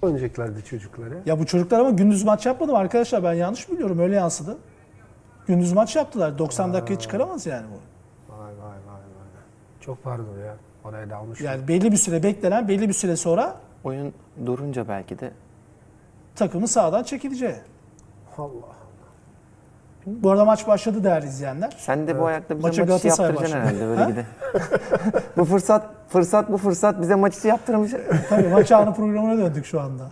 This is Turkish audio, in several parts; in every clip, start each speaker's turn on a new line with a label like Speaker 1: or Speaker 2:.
Speaker 1: oynayacaklardı çocukları.
Speaker 2: Ya bu çocuklar ama gündüz maç yapmadı mı arkadaşlar? Ben yanlış biliyorum. Öyle yansıdı. Gündüz maç yaptılar. 90 dakikayı çıkaramaz yani bu.
Speaker 1: Vay. Çok pardon ya. Oraya dalmış.
Speaker 2: Yani belli bir süre beklenen, belli bir süre sonra
Speaker 3: Oyun durunca belki de.
Speaker 2: takımı sahadan çekileceği.
Speaker 1: Allah.
Speaker 2: Bu arada maç başladı değerli izleyenler.
Speaker 3: Sen de bu ayakta bize
Speaker 2: Maçı
Speaker 3: maç içi
Speaker 2: Galatasaray
Speaker 3: yaptıracaksın
Speaker 2: başladı.
Speaker 3: herhalde böyle gide. Bu fırsat bize maç içi yaptırmış.
Speaker 2: Tabii maç anı programına döndük şu anda.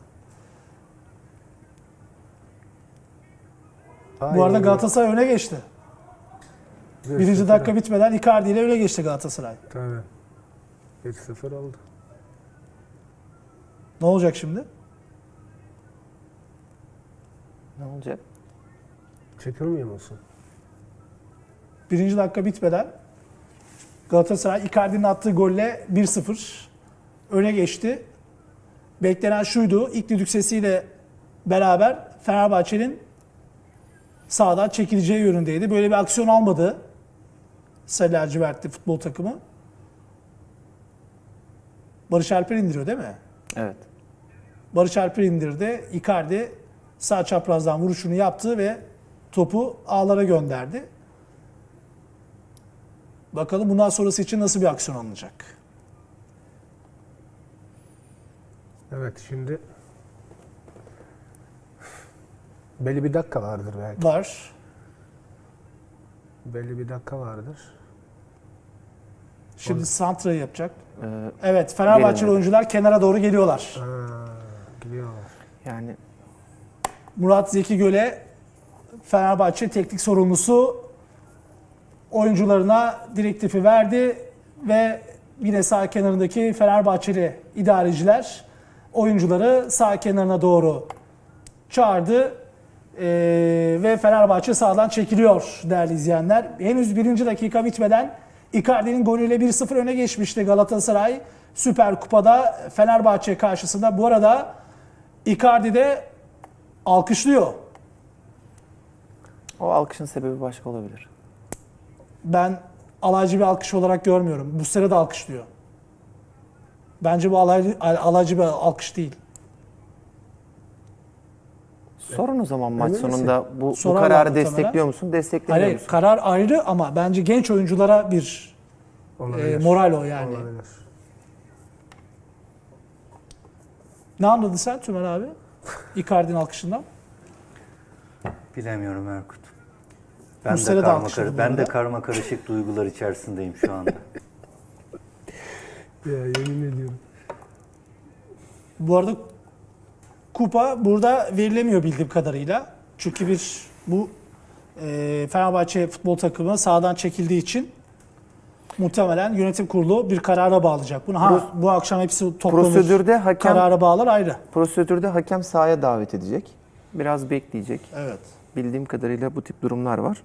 Speaker 2: Bu arada Galatasaray öne geçti. Birinci dakika bitmeden Icardi ile öne geçti Galatasaray.
Speaker 1: Tabii. 1-0 oldu.
Speaker 2: Ne olacak şimdi?
Speaker 3: Ne olacak?
Speaker 1: Çekilmiyor musun?
Speaker 2: Birinci dakika bitmeden Galatasaray Icardi'nin attığı golle 1-0 öne geçti. Beklenen şuydu. İlk düdük sesiyle beraber Fenerbahçe'nin sahadan çekileceği yönündeydi. Böyle bir aksiyon almadı Sarı lacivertli futbol takımı. Barış Alper indiriyor değil mi?
Speaker 3: Evet.
Speaker 2: Barış Alper indirdi. Icardi sağ çaprazdan vuruşunu yaptı ve topu ağlara gönderdi. Bakalım bundan sonrası için nasıl bir aksiyon alınacak?
Speaker 1: Evet şimdi belli bir dakika vardır belki.
Speaker 2: Var.
Speaker 1: Belli bir dakika vardır.
Speaker 2: Şimdi santrayı yapacak.
Speaker 3: Ee,
Speaker 2: Evet, Fenerbahçeli
Speaker 3: Gelin.
Speaker 2: oyuncular kenara doğru geliyorlar.
Speaker 1: Gidiyorlar.
Speaker 3: Yani
Speaker 2: Murat Zeki Göle, Fenerbahçe teknik sorumlusu oyuncularına direktifi verdi ve yine sağ kenarındaki Fenerbahçeli idareciler oyuncuları sağ kenarına doğru çağırdı. Ve Fenerbahçe sahadan çekiliyor değerli izleyenler. Henüz birinci dakika bitmeden Icardi'nin golüyle 1-0 öne geçmişti Galatasaray Süper Kupa'da Fenerbahçe karşısında. Bu arada Icardi de alkışlıyor.
Speaker 3: o alkışın sebebi başka olabilir.
Speaker 2: Ben alaycı bir alkış olarak görmüyorum. Bu sene de alkışlıyor. Bence bu alaycı bir alkış değil.
Speaker 3: Sorun o zaman maç
Speaker 1: Emin misin?
Speaker 3: sonunda bu
Speaker 2: Sorarlar
Speaker 3: kararı
Speaker 2: muhtemelen.
Speaker 3: destekliyor musun, desteklemiyor
Speaker 2: Hayır,
Speaker 3: musun?
Speaker 2: karar ayrı ama bence genç oyunculara bir
Speaker 1: Olabilir.
Speaker 2: moral o yani.
Speaker 1: Olabilir.
Speaker 2: Ne anladın sen Tümer abi? Icardi'nin alkışından.
Speaker 4: Bilemiyorum Erkut.
Speaker 2: Muslera da alkışladı bu
Speaker 4: Ben de
Speaker 2: arada.
Speaker 4: karma karışık duygular içerisindeyim şu anda.
Speaker 1: Ya yemin ediyorum.
Speaker 2: Bu arada kupa burada verilemiyor bildiğim kadarıyla. Çünkü bu Fenerbahçe futbol takımı sahadan çekildiği için muhtemelen yönetim kurulu bir karara bağlayacak. Bunu bu akşam hepsi toplanır. Karara bağlar ayrı.
Speaker 3: Prosedürde hakem sahaya davet edecek. Biraz bekleyecek.
Speaker 2: Evet.
Speaker 3: Bildiğim kadarıyla bu tip durumlar var.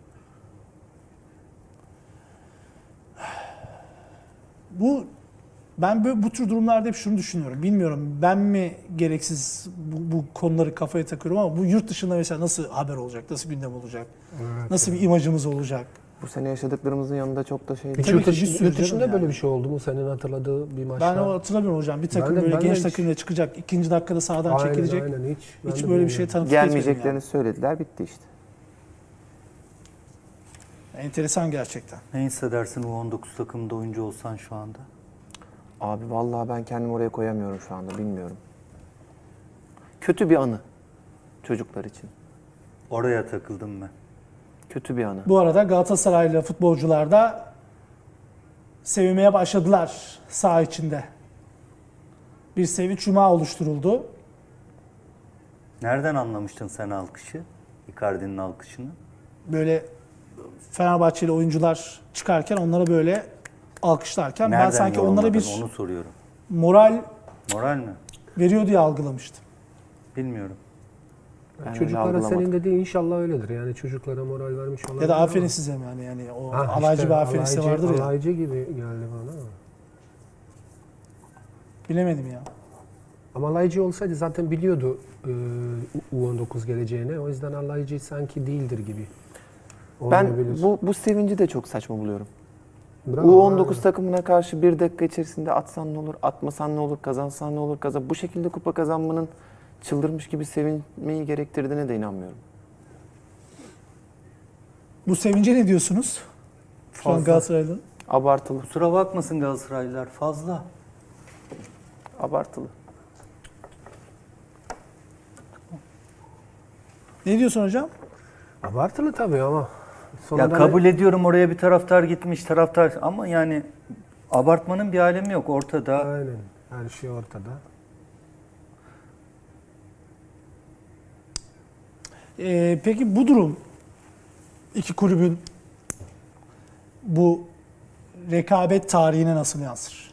Speaker 2: Ben bu tür durumlarda hep şunu düşünüyorum. Bilmiyorum ben mi gereksiz bu konuları kafaya takıyorum ama bu yurt dışında mesela nasıl haber olacak, nasıl gündem olacak,
Speaker 1: Evet.
Speaker 2: nasıl bir imajımız olacak?
Speaker 3: Bu sene yaşadıklarımızın yanında çok da şey
Speaker 1: Hiç
Speaker 2: Tabii
Speaker 1: yurt,
Speaker 2: ki bir sürü
Speaker 1: yurt dışında
Speaker 2: canım
Speaker 1: böyle
Speaker 2: yani.
Speaker 1: bir şey oldu mu senin hatırladığı bir maçta?
Speaker 2: Ben o hatırlamıyorum hocam. Bir takım
Speaker 1: Ben de
Speaker 2: böyle genç
Speaker 1: hiç-
Speaker 2: takımla çıkacak, ikinci dakikada sahadan
Speaker 1: Aynen,
Speaker 2: çekilecek.
Speaker 1: aynen, ben
Speaker 2: Hiç
Speaker 1: de
Speaker 2: böyle bir şey
Speaker 1: bilmiyorum.
Speaker 2: tanıklık etmedim
Speaker 3: gelmeyeceklerini söylediler, bitti işte.
Speaker 2: yani. Enteresan gerçekten.
Speaker 4: Ne hissedersin U19 takımında oyuncu olsan şu anda?
Speaker 3: Abi vallahi ben kendimi oraya koyamıyorum şu anda, bilmiyorum. Kötü bir anı çocuklar için.
Speaker 4: Oraya takıldım ben.
Speaker 3: Kötü bir anı.
Speaker 2: Bu arada Galatasaraylı futbolcular da sevinmeye başladılar saha içinde. Bir sevinç yumağı oluşturuldu.
Speaker 4: Nereden anlamıştın sen alkışı? Icardi'nin alkışını?
Speaker 2: Böyle Fenerbahçeli oyuncular çıkarken onlara böyle alkışlarken ben
Speaker 4: Nereden
Speaker 2: sanki onlara
Speaker 4: yorumladın?
Speaker 2: bir
Speaker 4: Onu soruyorum.
Speaker 2: moral
Speaker 4: Moral mi?
Speaker 2: veriyor diye algılamıştım.
Speaker 4: Bilmiyorum.
Speaker 3: Ben öyle
Speaker 1: Çocuklara
Speaker 3: algılamadım.
Speaker 1: senin dediğin inşallah öyledir. Yani çocuklara moral vermiş olabilir.
Speaker 2: Ya da aferin
Speaker 1: ama-
Speaker 2: size yani o
Speaker 1: Ha,
Speaker 2: alaycı
Speaker 1: işte
Speaker 2: bir aferin size vardır ya.
Speaker 1: Alaycı gibi geldi bana ama.
Speaker 2: Bilemedim ya.
Speaker 1: Ama alaycı olsaydı zaten biliyordu U19 geleceğini. O yüzden alaycı sanki değildir gibi.
Speaker 3: Ben
Speaker 1: Olmayabilir.
Speaker 3: bu sevinci de çok saçma buluyorum.
Speaker 1: Bravo,
Speaker 3: U19
Speaker 1: aynen.
Speaker 3: takımına karşı 1 dakika içerisinde atsan ne olur, atmasan ne olur, kazansan ne olur, bu şekilde kupa kazanmanın çıldırmış gibi sevinmeyi gerektirdiğine de inanmıyorum.
Speaker 2: Bu sevince ne diyorsunuz? Şu an
Speaker 4: Fazla.
Speaker 2: Galatasaray'ın.
Speaker 3: Abartılı,
Speaker 4: Kusura bakmasın Galatasaraylılar, fazla.
Speaker 3: abartılı.
Speaker 2: Ne diyorsun hocam?
Speaker 1: Abartılı tabii ama.
Speaker 4: Ya
Speaker 1: sonunda
Speaker 4: kabul ediyorum, oraya bir taraftar gitmiş, taraftar, ama yani abartmanın bir alemi yok ortada.
Speaker 1: Aynen. Her şey ortada.
Speaker 2: Peki bu durum iki kulübün bu rekabet tarihine nasıl yansır?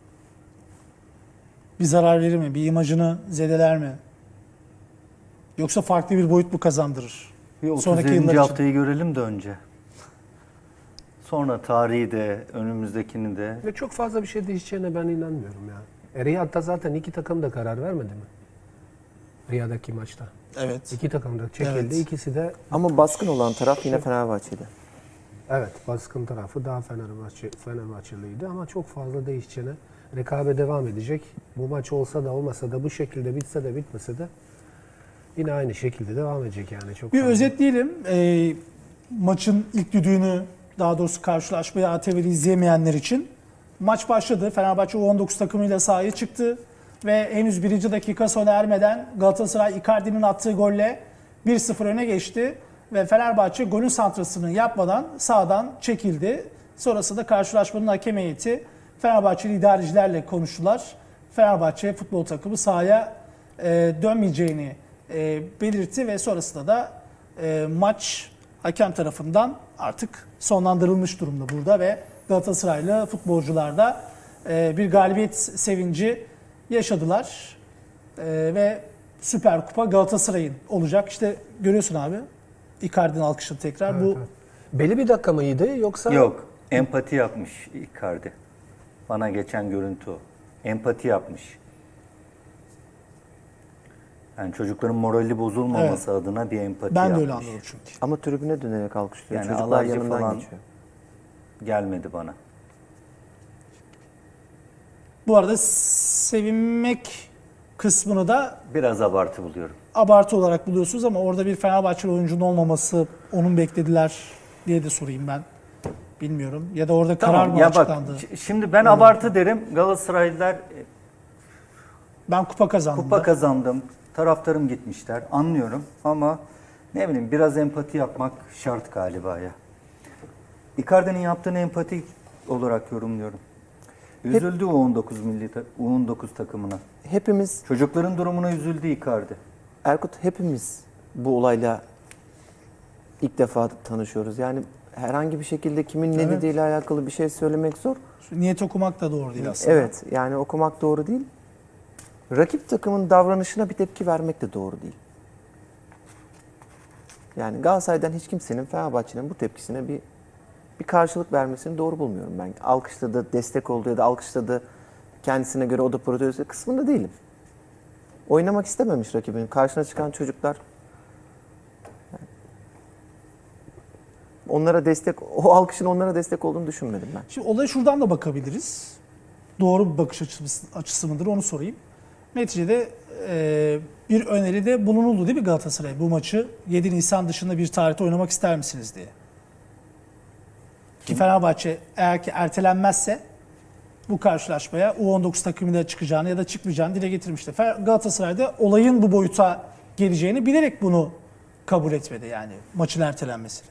Speaker 2: Bir zarar verir mi? Bir imajını zedeler mi? Yoksa farklı bir boyut mu kazandırır?
Speaker 4: Bir
Speaker 2: Sonraki
Speaker 4: 37.
Speaker 2: yıllar için.
Speaker 4: haftayı görelim de önce. Sonra tarihi de, önümüzdekini de.
Speaker 1: Ve çok fazla bir şey değişeceğine ben inanmıyorum ya. Riyad'da zaten iki takım da karar vermedi mi? Riyad'daki maçta.
Speaker 2: Evet.
Speaker 1: İki takım da çekildi.
Speaker 2: Evet.
Speaker 1: İkisi de
Speaker 3: Ama baskın olan taraf yine Fenerbahçe'de.
Speaker 1: evet baskın tarafı daha Fenerbahçeliydi ama çok fazla değişeceğine, rekabet devam edecek. Bu maç olsa da olmasa da bu şekilde bitse de bitmese de yine aynı şekilde devam edecek yani. Çok
Speaker 2: Bir
Speaker 1: fazla.
Speaker 2: özetleyelim. Maçın ilk düdüğünü, daha doğrusu karşılaşmayı ATV'de izleyemeyenler için. Maç başladı. Fenerbahçe U19 takımıyla sahaya çıktı. Ve henüz 1. dakika sona ermeden Galatasaray Icardi'nin attığı golle 1-0 öne geçti. Ve Fenerbahçe golün santrasını yapmadan sahadan çekildi. Sonrasında karşılaşmanın hakem heyeti Fenerbahçeli idarecilerle konuştular. Fenerbahçe futbol takımı sahaya dönmeyeceğini belirtti ve sonrasında da maç hakem tarafından artık sonlandırılmış durumda burada ve Galatasaraylı futbolcular da bir galibiyet sevinci yaşadılar. Ve Süper Kupa Galatasaray'ın olacak. İşte görüyorsun abi. Icardi'nin alkışı tekrar.
Speaker 1: Evet,
Speaker 2: Bu
Speaker 1: evet. Belli bir dakika mıydı yoksa?
Speaker 4: Yok, empati yapmış Icardi. Bana geçen görüntü o. Empati yapmış. Yani çocukların morali bozulmaması adına bir empati
Speaker 2: ben
Speaker 4: yapmış.
Speaker 2: de öyle anladım çünkü.
Speaker 3: Ama tribüne dönerek alkışlıyor.
Speaker 4: Yani
Speaker 3: Çocuklar
Speaker 4: alaycı
Speaker 3: yanından
Speaker 4: falan
Speaker 3: geçiyor.
Speaker 4: gelmedi bana.
Speaker 2: Bu arada sevinmek kısmını da
Speaker 4: Biraz abartı buluyorum.
Speaker 2: abartı olarak buluyorsunuz ama orada bir Fenerbahçeli oyuncunun olmaması, onun beklediler diye de sorayım ben. Bilmiyorum. Ya da orada karar mı
Speaker 4: ya bak,
Speaker 2: açıklandı?
Speaker 4: şimdi ben abartı derim. Galatasaraylılar
Speaker 2: Ben kupa kazandım.
Speaker 4: kupa
Speaker 2: da.
Speaker 4: kazandım, taraftarım gitmişler, anlıyorum ama ne bileyim biraz empati yapmak şart galiba ya. Icardi'nin yaptığını empati olarak yorumluyorum. Üzüldü U19 takımına.
Speaker 3: Hepimiz,
Speaker 4: Çocukların durumuna üzüldü Icardi.
Speaker 3: Erkut hepimiz bu olayla ilk defa tanışıyoruz. Yani herhangi bir şekilde kimin ne
Speaker 2: Evet.
Speaker 3: dediğiyle alakalı bir şey söylemek zor.
Speaker 2: Niyet okumak da doğru değil aslında.
Speaker 3: Evet, yani okumak doğru değil. Rakip takımın davranışına bir tepki vermek de doğru değil. Yani Galatasaray'dan hiç kimsenin Fenerbahçe'nin bu tepkisine bir karşılık vermesini doğru bulmuyorum ben. Alkışladı, destek oldu ya da alkışladı, kendisine göre o da protesto kısmında değilim. Oynamak istememiş rakibinin. Karşına çıkan çocuklar onlara destek, o alkışın onlara destek olduğunu düşünmedim ben.
Speaker 2: Şimdi olaya şuradan da bakabiliriz. Doğru bir bakış açısı mıdır onu sorayım. Neticede bir öneride bulunuldu değil mi Galatasaray? Bu maçı 7 Nisan dışında bir tarihte oynamak ister misiniz diye. Ki Fenerbahçe eğer ki ertelenmezse bu karşılaşmaya U19 takımıyla çıkacağını ya da çıkmayacağını dile getirmişti. Galatasaray'da olayın bu boyuta geleceğini bilerek bunu kabul etmedi yani maçın ertelenmesini.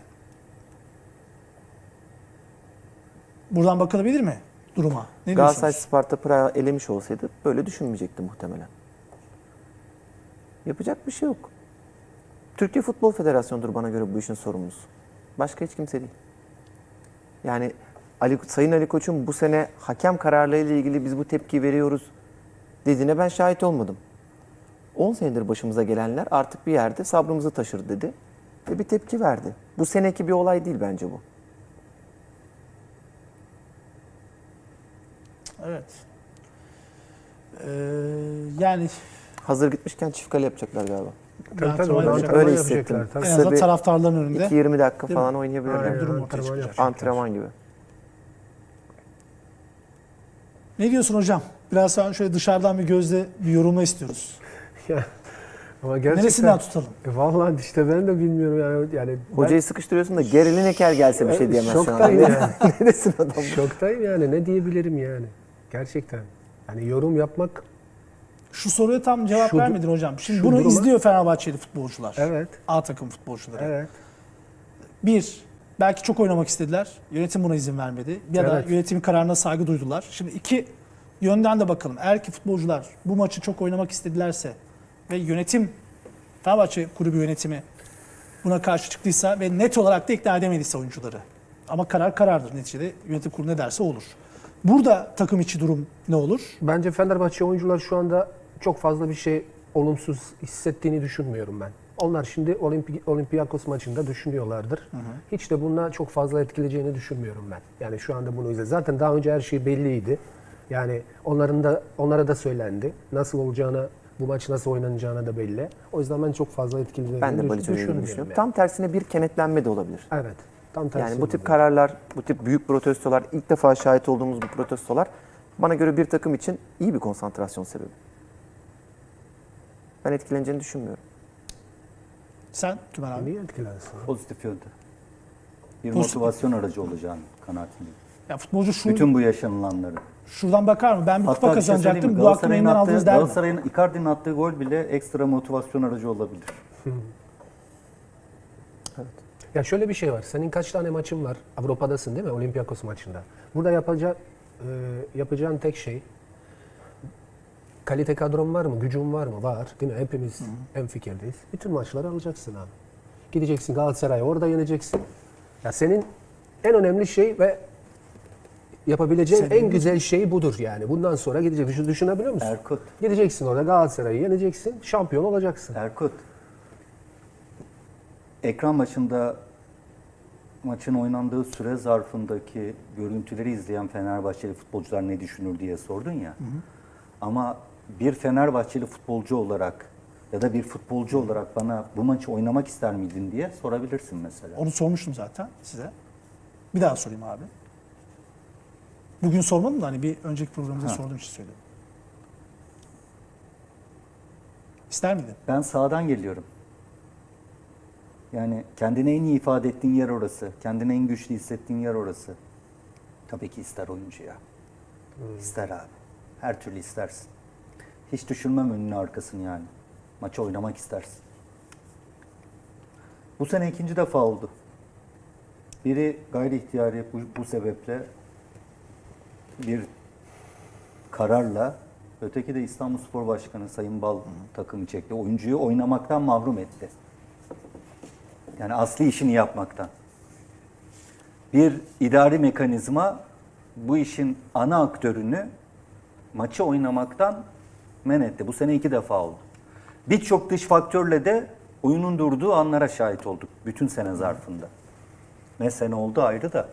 Speaker 2: Buradan bakılabilir mi duruma? Ne
Speaker 3: Galatasaray
Speaker 2: diyorsunuz?
Speaker 3: Sparta Prag'ı elemiş olsaydı böyle düşünmeyecekti muhtemelen. Yapacak bir şey yok. Türkiye Futbol Federasyonu'dur bana göre bu işin sorumlusu. Başka hiç kimse değil. Yani Sayın Ali Koç'un bu sene hakem kararlarıyla ilgili biz bu tepkiyi veriyoruz dediğine ben şahit olmadım. 10 senedir başımıza gelenler artık bir yerde sabrımızı taşır dedi ve bir tepki verdi. Bu seneki bir olay değil bence bu.
Speaker 2: Evet. Yani
Speaker 3: Hazır gitmişken çift kale yapacaklar galiba.
Speaker 1: Tabii
Speaker 2: antrenman
Speaker 1: tabii,
Speaker 2: yapacak.
Speaker 1: antrenman
Speaker 3: Öyle
Speaker 1: yapacaklar,
Speaker 3: hissettim.
Speaker 1: tabii.
Speaker 2: en
Speaker 3: Kısa
Speaker 2: azından
Speaker 3: bir
Speaker 2: taraftarların önünde
Speaker 3: 2-20 dakika
Speaker 2: Değil mi?
Speaker 3: falan oynayabilirler.
Speaker 1: Aynen,
Speaker 2: durum ortaya
Speaker 1: antrenman
Speaker 2: çıkacak.
Speaker 1: yapacaklar.
Speaker 3: Antrenman gibi.
Speaker 2: Ne diyorsun hocam? Biraz sonra şöyle dışarıdan bir gözle bir yorumla istiyoruz.
Speaker 1: Ya, ama gerçekten,
Speaker 2: Neresinden tutalım?
Speaker 1: Vallahi işte ben de bilmiyorum yani
Speaker 3: Hocayı sıkıştırıyorsun da Gary Lineker gelse bir şey diyemez şu an.
Speaker 1: şoktayım yani.
Speaker 3: Ne desin adam?
Speaker 1: Şoktayım yani, ne diyebilirim yani. Gerçekten. Yani yorum yapmak,
Speaker 2: Şu soruya tam cevap
Speaker 1: Şu-
Speaker 2: vermedin hocam. Şimdi
Speaker 1: şu
Speaker 2: bunu
Speaker 1: duruma-
Speaker 2: izliyor Fenerbahçeli futbolcular.
Speaker 1: evet,
Speaker 2: A takım futbolcuları.
Speaker 1: evet.
Speaker 2: Bir, belki çok oynamak istediler. Yönetim buna izin vermedi. Ya da
Speaker 1: Evet.
Speaker 2: yönetimin kararına saygı duydular. Şimdi iki yönden de bakalım. Eğer ki futbolcular bu maçı çok oynamak istedilerse ve yönetim, Fenerbahçe kulübü yönetimi buna karşı çıktıysa ve net olarak da ikna edemediyse oyuncuları. Ama karar karardır neticede. Yönetim kurulu ne derse olur. Burada takım içi durum ne olur?
Speaker 1: Bence Fenerbahçe oyuncular şu anda çok fazla bir şey olumsuz hissettiğini düşünmüyorum ben. Onlar şimdi Olympiakos maçında düşünüyorlardır. Hiç de bununla çok fazla etkileyeceğini düşünmüyorum ben. Yani şu anda bunu izle. Zaten daha önce her şey belliydi. Yani onlara da söylendi. Nasıl olacağını, bu maç nasıl oynanacağına da belli. O yüzden ben çok fazla etkileyeceğini
Speaker 3: Ben de Balic Hoca'yı
Speaker 1: düşünmüyorum.
Speaker 3: düşünüyorum.
Speaker 1: yani.
Speaker 3: Tam tersine bir kenetlenme de olabilir.
Speaker 1: Evet. Tam tersi.
Speaker 3: Yani bu tip
Speaker 1: oluyor.
Speaker 3: kararlar, bu tip büyük protestolar, ilk defa şahit olduğumuz bu protestolar bana göre bir takım için iyi bir konsantrasyon sebebi. Ben etkileneceğini düşünmüyorum.
Speaker 2: Sen Tümer abi.
Speaker 1: Niye etkilensin?
Speaker 4: Pozitif yönde. Bir
Speaker 2: Pozitif.
Speaker 4: motivasyon aracı olacağını kanaatindeyim.
Speaker 2: Ya futbolcu
Speaker 4: Bütün bu yaşanılanları.
Speaker 2: şuradan bakar mı? Ben bir kupa
Speaker 4: Hatta bir şey söyleyeyim mi?
Speaker 2: kazanacaktım. Bu hakkımı elimden aldınız der mi?
Speaker 4: Galatasaray'ın Icardi'nin attığı gol bile ekstra motivasyon aracı olabilir.
Speaker 1: Ya şöyle bir şey var. Senin kaç tane maçın var? Avrupa'dasın değil mi? Olympiakos maçında. Burada yapacağın tek şey, kalite kadron var mı? Gücün var mı? Var. Değil mi? Hepimiz hemfikirdeyiz. Bütün maçları alacaksın abi. Gideceksin Galatasaray'ı orada yeneceksin. Ya senin en önemli şey ve yapabileceğin en güzel şey budur yani. Bundan sonra gideceksin. Düşünebiliyor musun?
Speaker 4: Erkut,
Speaker 1: Gideceksin orada Galatasaray'ı yeneceksin. Şampiyon olacaksın.
Speaker 4: Erkut. Ekran başında maçın oynandığı süre zarfındaki görüntüleri izleyen Fenerbahçeli futbolcular ne düşünür diye sordun ya. Ama bir Fenerbahçeli futbolcu olarak ya da bir futbolcu olarak bana bu maçı oynamak ister miydin diye sorabilirsin mesela.
Speaker 2: Onu sormuştum zaten size. Bir daha sorayım abi. Bugün sormadım da hani bir önceki programda sorduğum için söyledim. İster miydin?
Speaker 4: Ben sağdan geliyorum. Yani kendini en iyi ifade ettiğin yer orası. Kendini en güçlü hissettiğin yer orası. Tabii ki ister oyuncu ya. İster abi. Her türlü istersin. Hiç düşünmem önünü arkasını yani. Maçı oynamak istersin. Bu sene ikinci defa oldu. Biri gayri ihtiyari bu sebeple bir kararla, öteki de İstanbulspor Başkanı Sayın Bal takımı çekti. Oyuncuyu oynamaktan mahrum etti. Yani asli işini yapmaktan. Bir idari mekanizma bu işin ana aktörünü maçı oynamaktan men etti. Bu sene 2 defa oldu. Birçok dış faktörle de oyunun durduğu anlara şahit olduk bütün sene zarfında. Ne sene oldu ayrı da.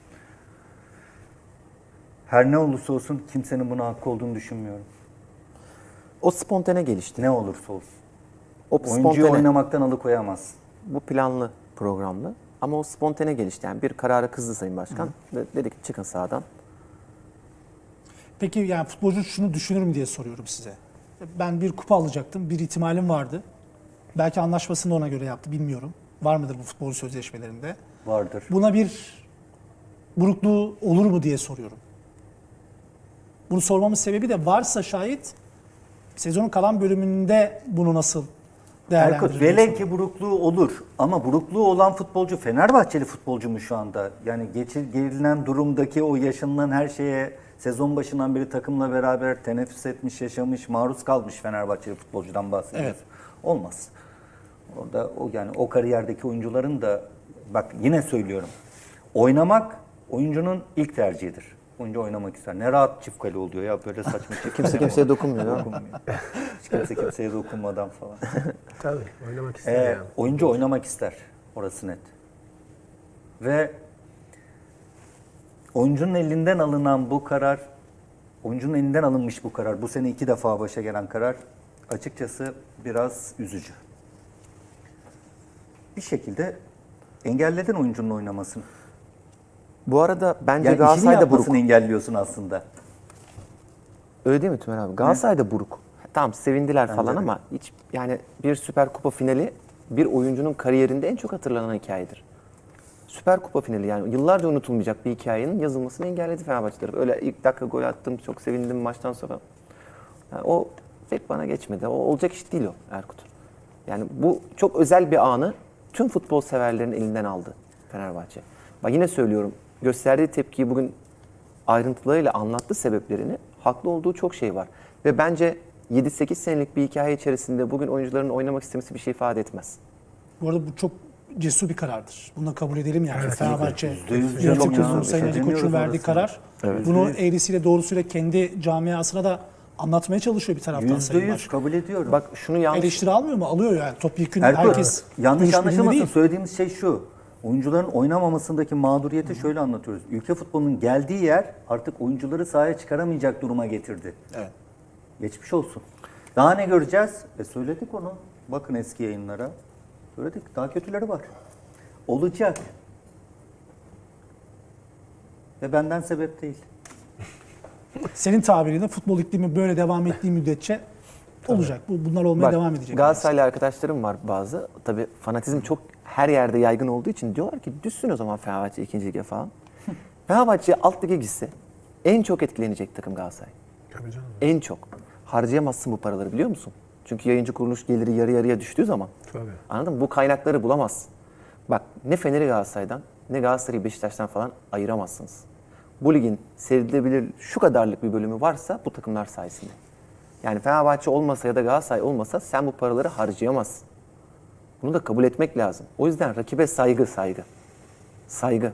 Speaker 4: Her ne olursa olsun kimsenin buna hakkı olduğunu düşünmüyorum.
Speaker 3: O spontane gelişti.
Speaker 4: Ne olursa olsun.
Speaker 3: O
Speaker 4: Oyuncuyu
Speaker 3: spontane,
Speaker 4: oynamaktan alıkoyamaz.
Speaker 3: bu planlı, programlı. Ama o spontane gelişti. Yani bir karara kızdı Sayın Başkan. Ve dedi ki çıkın sahadan.
Speaker 2: Peki yani futbolcu şunu düşünür mü diye soruyorum size. Ben bir kupa alacaktım. Bir ihtimalim vardı. Belki anlaşmasını da ona göre yaptı. Bilmiyorum. Var mıdır bu futbol sözleşmelerinde?
Speaker 4: Vardır.
Speaker 2: Buna bir burukluğu olur mu diye soruyorum. Bunu sormamın sebebi de varsa şayet sezonun kalan bölümünde bunu nasıl
Speaker 4: Erkut,
Speaker 2: değerlendirir?
Speaker 4: velev ki burukluğu olur ama burukluğu olan futbolcu Fenerbahçeli futbolcu mu şu anda? Yani gelinen durumdaki o yaşanılan her şeye sezon başından beri takımla beraber teneffüs etmiş, yaşamış, maruz kalmış Fenerbahçeli futbolcudan bahsediyoruz.
Speaker 2: Evet.
Speaker 4: Olmaz. Orada o kariyerdeki oyuncuların da bak yine söylüyorum. Oynamak oyuncunun ilk tercihidir. Oyuncu oynamak ister. Ne rahat çift kale oluyor ya böyle saçma çift
Speaker 3: Kimse
Speaker 4: kale
Speaker 3: kimseye dokunmuyor. değil mi?
Speaker 4: dokunmuyor. Hiç kimse kimseye dokunmadan falan.
Speaker 1: Tabii oynamak ister yani.
Speaker 4: Oyuncu oynamak ister. Orası net. Ve oyuncunun elinden alınan bu karar, oyuncunun elinden alınmış bu karar, bu sene 2 defa başa gelen karar açıkçası biraz üzücü. Bir şekilde engelledin oyuncunun oynamasını.
Speaker 3: Bu arada bence
Speaker 4: Yani işini
Speaker 3: Galatasaray da buruk.
Speaker 4: yapmasını engelliyorsun aslında.
Speaker 3: Öyle değil mi Tümer abi? Galatasaray'da buruk. Tamam sevindiler falan
Speaker 4: de.
Speaker 3: ama hiç yani bir Süper Kupa finali bir oyuncunun kariyerinde en çok hatırlanan hikayedir. Süper Kupa finali yani yıllarca unutulmayacak bir hikayenin yazılmasını engelledi Fenerbahçe tarafı. Öyle ilk dakika gol attım, çok sevindim maçtan sonra. Yani o pek bana geçmedi. O olacak iş değil o Erkut. Yani bu çok özel bir anı tüm futbol severlerin elinden aldı Fenerbahçe. Bak yine söylüyorum, gösterdiği tepkiyi bugün ayrıntılarıyla anlattı sebeplerini. Haklı olduğu çok şey var. Ve bence 7-8 senelik bir hikaye içerisinde bugün oyuncuların oynamak istemesi bir şey ifade etmez.
Speaker 2: Bu arada bu çok cesur bir karardır. Bunu da kabul edelim yani. Fenerbahçe
Speaker 4: %100
Speaker 2: yönetim
Speaker 4: canım ya.
Speaker 2: Sayın Ali Koç'un
Speaker 4: Demiyoruz
Speaker 2: verdiği
Speaker 4: orasını.
Speaker 2: karar. Bunu eğrisiyle doğrusuyla kendi camiasına da anlatmaya çalışıyor bir taraftan Sayın
Speaker 4: %100
Speaker 2: Başkan.
Speaker 4: kabul ediyorum.
Speaker 3: Bak şunu yanlış...
Speaker 2: Eleştiri almıyor mu? Alıyor yani. Topyekun
Speaker 4: Erkut,
Speaker 2: herkes
Speaker 4: yanlış
Speaker 2: görüş birliğinde
Speaker 4: anlaşılmasın.
Speaker 2: değil.
Speaker 4: Söylediğimiz şey şu. Oyuncuların oynamamasındaki mağduriyeti şöyle anlatıyoruz. Ülke futbolunun geldiği yer artık oyuncuları sahaya çıkaramayacak duruma getirdi.
Speaker 2: Evet.
Speaker 4: Geçmiş olsun. Daha ne göreceğiz? Söyledik onu. Bakın eski yayınlara. Söyledik. Daha kötüleri var. Olacak. Ve benden sebep değil.
Speaker 2: Senin tabiriyle futbol iklimi böyle devam ettiği müddetçe olacak. Bunlar olmaya
Speaker 3: Bak,
Speaker 2: devam edecek.
Speaker 3: Galatasaraylı arkadaşlarım var bazı. Tabii fanatizm çok her yerde yaygın olduğu için diyorlar ki düşsün o zaman Fenerbahçe 2. lige falan. Fenerbahçe alt lige gitse en çok etkilenecek takım Galatasaray.
Speaker 1: Tabii canım.
Speaker 3: En çok. Harcayamazsın bu paraları biliyor musun? Çünkü yayıncı kuruluş geliri yarı yarıya düştüğü zaman.
Speaker 1: Tabii.
Speaker 3: Anladın mı? Bu kaynakları bulamazsın. Bak ne Fener'i Galatasaray'dan ne Galatasaray'ı Beşiktaş'tan falan ayıramazsınız. Bu ligin seyredilebilir şu kadarlık bir bölümü varsa bu takımlar sayesinde. Yani Fenerbahçe olmasa ya da Galatasaray olmasa sen bu paraları harcayamazsın. Bunu da kabul etmek lazım. O yüzden rakibe saygı. Saygı.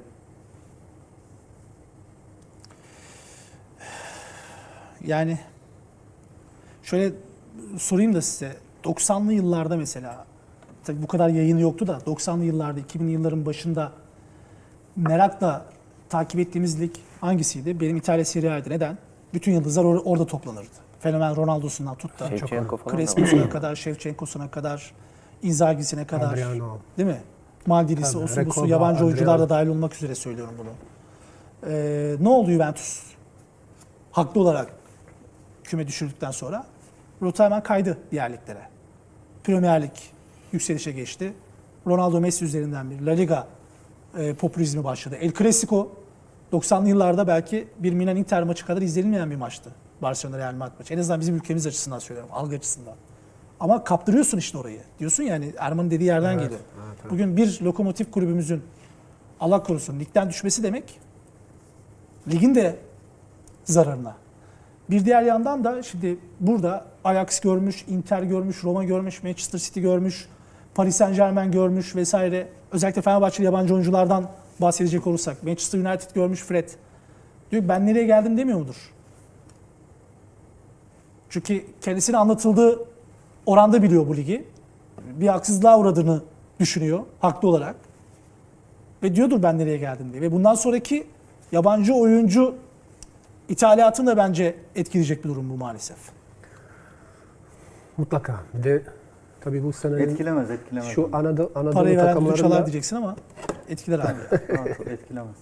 Speaker 2: Yani şöyle sorayım da size. 90'lı yıllarda mesela, tabii bu kadar yayını yoktu da 90'lı yıllarda, 2000'li yılların başında merakla takip ettiğimiz lig hangisiydi? Benim İtalya Serie A'ydı. Neden? Bütün yıldızlar orada toplanırdı. Fenomen Ronaldo'sundan tut da
Speaker 3: Şevçenko falan da var.
Speaker 2: Crespo'suna kadar, Shevchenko'suna kadar, Inzaghi'sine kadar.
Speaker 1: Adriano.
Speaker 2: Değil mi? Maldini'si,
Speaker 1: Tabii,
Speaker 2: osu busu,
Speaker 1: Recoba,
Speaker 2: yabancı oyuncular da
Speaker 1: Adriano.
Speaker 2: dahil olmak üzere söylüyorum bunu. Ne oldu Juventus? Haklı olarak küme düşürdükten sonra rota hemen kaydı diğer liglere. Premier Lig yükselişe geçti. Ronaldo Messi üzerinden bir La Liga popülizmi başladı. El Clasico 90'lı yıllarda belki bir Milan Inter maçı kadar izlenilmeyen bir maçtı. Barcelona Real Madrid maçı. En azından bizim ülkemiz açısından söylüyorum, algı açısından. Ama kaptırıyorsun işte orayı. Diyorsun yani Erman'ın dediği yerden geliyor. Bugün bir lokomotif kulübümüzün Allah korusun ligden düşmesi demek ligin de zararına. Bir diğer yandan da şimdi burada Ajax görmüş, Inter görmüş, Roma görmüş, Manchester City görmüş, Paris Saint-Germain görmüş vesaire. Özellikle Fenerbahçeli yabancı oyunculardan bahsedecek olursak. Manchester United görmüş Fred. Diyor ben nereye geldim demiyor mudur? Çünkü kendisine anlatıldığı oranda biliyor bu ligi. Bir haksızlığa uğradığını düşünüyor haklı olarak. Ve diyordur ben nereye geldim diye. Ve bundan sonraki yabancı oyuncu ithalatını da bence etkileyecek bir durum bu maalesef.
Speaker 1: Mutlaka. Bir de tabii bu senenin
Speaker 4: Etkilemez.
Speaker 1: şu Anadolu
Speaker 2: Parayı veren düdük çalar
Speaker 1: takımlarında
Speaker 2: diyeceksin ama etkiler abi.
Speaker 4: Etkilemez.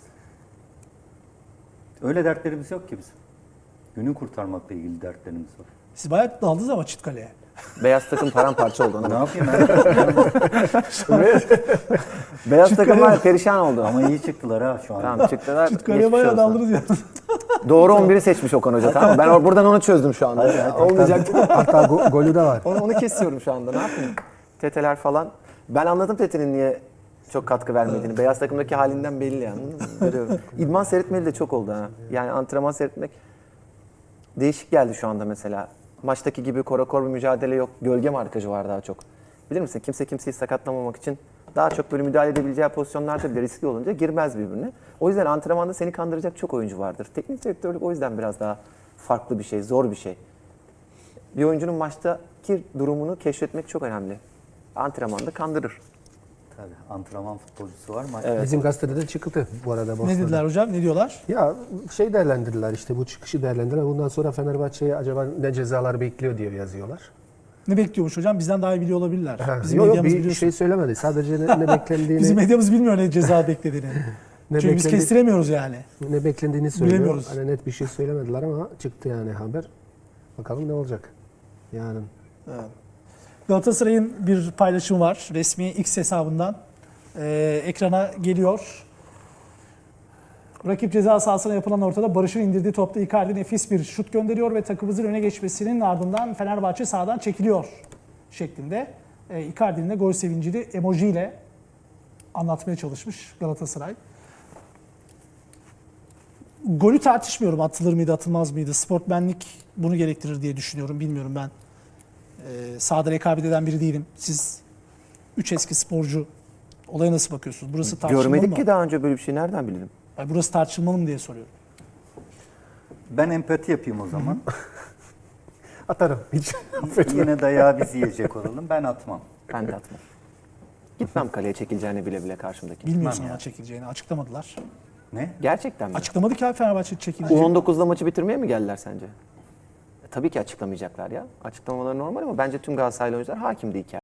Speaker 4: Öyle dertlerimiz yok ki bizim. Günü kurtarmakla ilgili dertlerimiz var.
Speaker 2: Siz bayağı daldınız ama Çitkale'ye.
Speaker 3: Beyaz takım paramparça oldu.
Speaker 4: Ne
Speaker 3: Ona.
Speaker 4: yapayım ben?
Speaker 3: Beyaz takım var ya, perişan oldu.
Speaker 4: Ama iyi çıktılar ha şu an.
Speaker 3: Tamam çıktılar.
Speaker 2: Çitkale'ye
Speaker 3: geçmiş
Speaker 2: bayağı
Speaker 3: olsun.
Speaker 2: daldınız ya.
Speaker 3: Doğru 11'i seçmiş Okan Hoca tamam mı? Ben buradan onu çözdüm şu anda. Olmayacaktı.
Speaker 1: hatta golü de var.
Speaker 3: Onu kesiyorum şu anda. Ne yapayım? Teteler falan. Ben anladım Tete'nin niye çok katkı vermediğini. Beyaz takımdaki halinden belli yani. Görüyorum. İdman seyretmeli de çok oldu ha. Yani antrenman seyretmek değişik geldi şu anda mesela. Maçtaki gibi korakor bir mücadele yok. Gölge markajı var daha çok. Bilir misin? Kimse kimseyi sakatlamamak için daha çok böyle müdahale edebileceği pozisyonlarda bile riskli olunca girmez birbirine. O yüzden antrenmanda seni kandıracak çok oyuncu vardır. Teknik direktörlük o yüzden biraz daha farklı bir şey, zor bir şey. Bir oyuncunun maçtaki durumunu keşfetmek çok önemli. Antrenmanda kandırır.
Speaker 4: Tabii antrenman futbolcusu var mı?
Speaker 3: Evet.
Speaker 1: Bizim gazetede de çıktı bu arada.
Speaker 2: Ne
Speaker 1: Bosna'da.
Speaker 2: dediler hocam? Ne diyorlar?
Speaker 1: Ya şey değerlendirdiler işte bu çıkışı değerlendirdiler. Bundan sonra Fenerbahçe'ye acaba ne cezalar bekliyor diye yazıyorlar.
Speaker 2: Ne bekliyormuş hocam? Bizden daha iyi biliyor olabilirler. Bizim
Speaker 1: Yok
Speaker 2: medyamız
Speaker 1: bir
Speaker 2: biliyorsun.
Speaker 1: şey söylemedi. Sadece ne beklendiğini
Speaker 2: Bizim medyamız bilmiyor ne ceza beklediğini.
Speaker 1: ne
Speaker 2: Çünkü biz
Speaker 1: beklendi-
Speaker 2: kestiremiyoruz yani.
Speaker 1: ne beklendiğini söylüyor.
Speaker 2: Bilemiyoruz.
Speaker 1: Hani net bir şey söylemediler ama çıktı yani haber. Bakalım ne olacak yarın.
Speaker 2: Galatasaray'ın bir paylaşımı var. Resmi X hesabından ekrana geliyor. Rakip ceza sahasına yapılan ortada Barış'ın indirdiği topta Icardi nefis bir şut gönderiyor ve takımımızın öne geçmesinin ardından Fenerbahçe sahadan çekiliyor şeklinde. Icardi'nin de gol sevincini emojiyle anlatmaya çalışmış Galatasaray. Golü tartışmıyorum, atılır mıydı atılmaz mıydı. Sportmenlik bunu gerektirir diye düşünüyorum. Bilmiyorum ben. Sahada rekabet eden biri değilim. Siz 3 eski sporcu olaya nasıl bakıyorsunuz? Burası tartışmalı
Speaker 3: Görmedik
Speaker 2: mı?
Speaker 3: ki daha önce böyle bir şey, nereden bilelim?
Speaker 2: Yani burası tartışmalı mı diye soruyorum.
Speaker 4: Ben empati yapayım o zaman.
Speaker 1: Atarım. Hiç
Speaker 4: Yine dayağı biz yiyecek olalım. Ben atmam.
Speaker 3: Ben de atmam. Gitmem kaleye çekileceğini bile bile karşımdaki.
Speaker 2: Bilmiyorsun
Speaker 4: ya.
Speaker 2: ama çekileceğini. Açıklamadılar.
Speaker 4: Ne?
Speaker 3: Gerçekten mi?
Speaker 2: Açıklamadı ki abi Fenerbahçe çekileceğini.
Speaker 3: U19'da maçı bitirmeye mi geldiler sence? Tabii ki açıklamayacaklar ya. Açıklamaları normal ama bence tüm Galatasaraylı oyuncular hakimdi hikaye.